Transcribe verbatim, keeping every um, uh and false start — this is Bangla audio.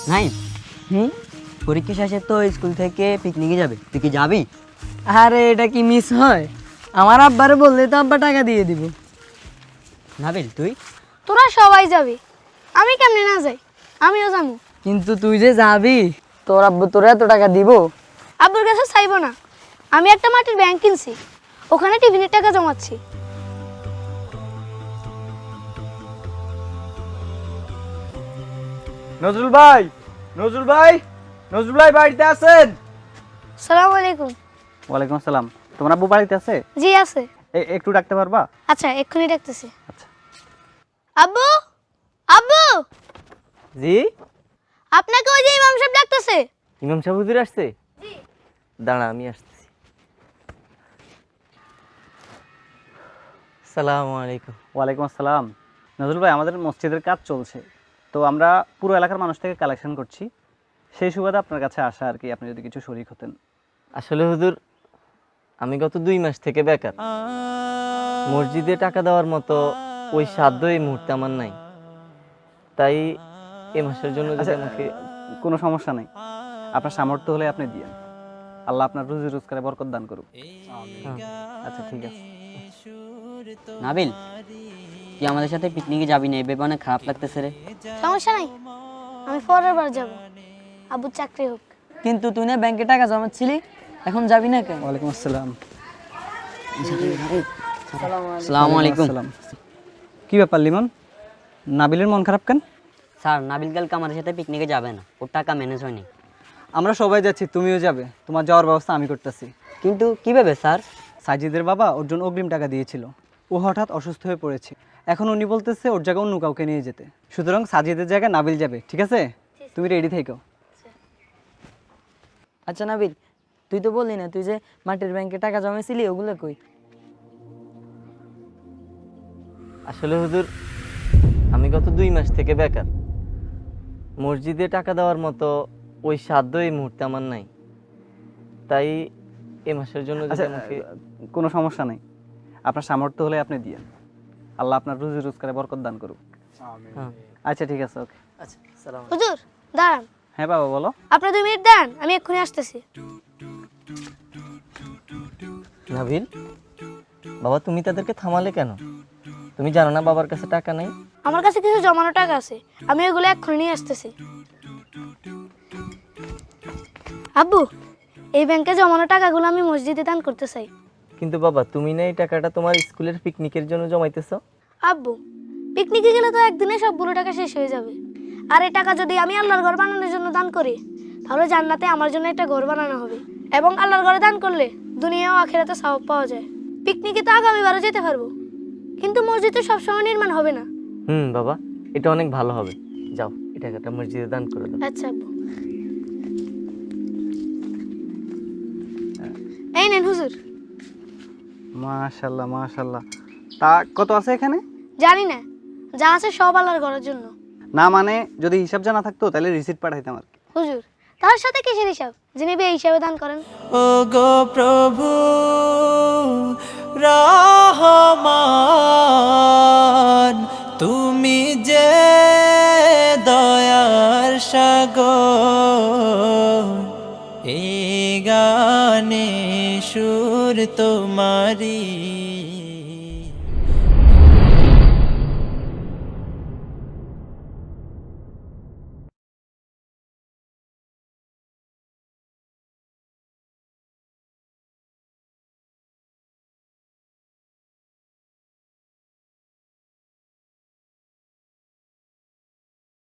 নাই হুম পরীক্ষা শেষে তো স্কুল থেকে পিকনিকে যাবে, তুই কি যাবি? আরে এটা কি মিস হয়? আমার আব্বারে বললে তো আব্বা টাকা দিয়ে দিব। নাবিল তুই? তোরা সবাই যাবি, আমি কেমনে না যাই? আমিও যাবো। কিন্তু তুই যে যাবি, তোর আব্বু তোর এত টাকা দিব? আব্বুর কাছে চাইবো না, আমি একটা মাটির ব্যাংক কিনছি, ওখানে টিফিনের টাকা জমাচ্ছি। নজরুল ভাই, নজরুল ভাই, নজরুল ভাই বাড়িতে আছেন? সালাম আলাইকুম। ওয়ালাইকুম আসসালাম। তোমার আব্বু বাড়িতে আছে? জি আছে। এ- একটু ডাকতে পারবা? আচ্ছা এক্ষুনি ডাকতেছি। আচ্ছা। আব্বু, আব্বু, জি, আপনাকে ওই যে ইমাম সাহেব ডাকতেছে। ইমাম সাহেব হুজুর আসছে? দাঁড়া আমি আসতেছি। সালামু আলাইকুম। ওয়ালাইকুম আসসালাম। নজরুল ভাই, আমাদের মসজিদের কাজ চলছে, তো আমরা পুরো এলাকার মানুষ থেকে কালেকশন করছি, সেই সুবাদে আপনার কাছে আসা আর কি, আপনি যদি কিছু শরীক হতেন। আসলে হুজুর, আমি গত দুই মাস থেকে বেকার। মসজিদে টাকা দেওয়ার মতো ওই সাধ্য এই মুহূর্তে আমার নাই, তাই এ মাসের জন্য যদি আচ্ছা, আমাকে কোনো সমস্যা নেই, আপনার সামর্থ্য হলে আপনি দিয়েন, আল্লাহ আপনার রুজি রোজগারে বরকত দান করুক। হ্যাঁ, আচ্ছা ঠিক আছে। নাবিল, তুই আমাদের সাথে পিকনিকে যাবি না, এই ব্যাপারে অনেক খারাপ লাগতেছে রে। সমস্যা নাই, আমি পরের বার যাব, আব্বুর চাকরি হোক। কিন্তু তুই না ব্যাংকে টাকা জমাচ্ছিলি, এখন যাবি না কেন? ওয়ালাইকুম আসসালাম। আসসালামু আলাইকুম। আসসালাম। কি ব্যাপার লিমন, নাবিলের মন খারাপ কেন? স্যার, নাবিল কালকে আমাদের সাথে পিকনিকে যাবে না, ওর টাকা ম্যানেজ হয়নি। আমরা সবাই যাচ্ছি, তুমিও যাবে, তোমার যাওয়ার ব্যবস্থা আমি করতেছি। কিন্তু কিভাবে স্যার? সাজিদের বাবা ওর জন্য অগ্রিম টাকা দিয়েছিল, ও হঠাৎ অসুস্থ হয়ে পড়েছে, এখন উনি বলতেছে ওর জায়গায় অন্য কাউকে নিয়ে যেতে, সুতরাং সাজিদের জায়গায় নাবিল যাবে, ঠিক আছে? তুমি রেডি থেকো। আচ্ছা নাবিল, তুই তো বললি না তুই যে মাটির ব্যাংকে টাকা জমাইছিলি, ওগুলো কই? আসলে হুজুর, আমি গত দুই মাস থেকে বেকার। মসজিদে টাকা দেওয়ার মতো ওই সাধ্য এই মুহূর্তে আমার নাই, তাই এ মাসের জন্য যদি আচ্ছা, আমাকে কোনো সমস্যা নেই, আপনার সামর্থ্য হলে আপনি দিয়েন, আল্লাহ আপনার রুজি রোজগারে বরকত দান করুক। হ্যাঁ। আচ্ছা ঠিক আছে, ওকে। আচ্ছা, সালাম। হুজুর দাঁড়ান, হ্যাঁ বাবা বলো। আপনার দুই মিনিট দাঁড়ান, আমি এক্ষুনি আসতেছি। নাবিল, বাবা তুমি তাদেরকে থামালে কেন? তুমি জানো না বাবার কাছে টাকা নাই? আমার কাছে কিছু জমানো টাকা আছে, আমি ওইগুলো এক্ষুনি নিয়ে আসতেছি। আব্বু, এই ব্যাংকে জমানো টাকাগুলো আমি মসজিদে দান করতে চাই। কিন্তু বাবা তুমি না এই টাকাটা তোমার স্কুলের পিকনিকের জন্য জমাইতেছো? আব্বু, পিকনিকে গেলে তো একদিনে সবগুলো টাকা শেষ হয়ে যাবে, আর এই টাকা যদি আমি আল্লাহর ঘর বানানোর জন্য দান করি, তাহলে জান্নাতে আমার জন্য একটা ঘর বানানো হবে, এবং আল্লাহর ঘরে দান করলে দুনিয়া ও আখিরাতে সওয়াব পাওয়া যায়। পিকনিকে তো আগামীবারও যেতে পারবো, কিন্তু মসজিদ তো সবসময় নির্মাণ হবে না। হুম বাবা, এটা অনেক ভালো হবে, যাও এই টাকাটা মসজিদে দান করে দাও। আচ্ছা আব্বু, এই নেন হুজুর। মাশাল্লাহ মাশাল্লাহ, তা কত আছে এখানে? জানি না, যা আছে সব আল্লাহর ঘরের জন্য। না মানে যদি হিসাব জানা থাকতো তাহলে রিসিট পাঠাইতাম আর কি। হুজুর, তার সাথে কিসের হিসাব, যিনি বে হিসাবে দান করেন। ও গো প্রভু রহমান, তুমি যে দয়ার সাগর, এই গানে সুর তোমারি।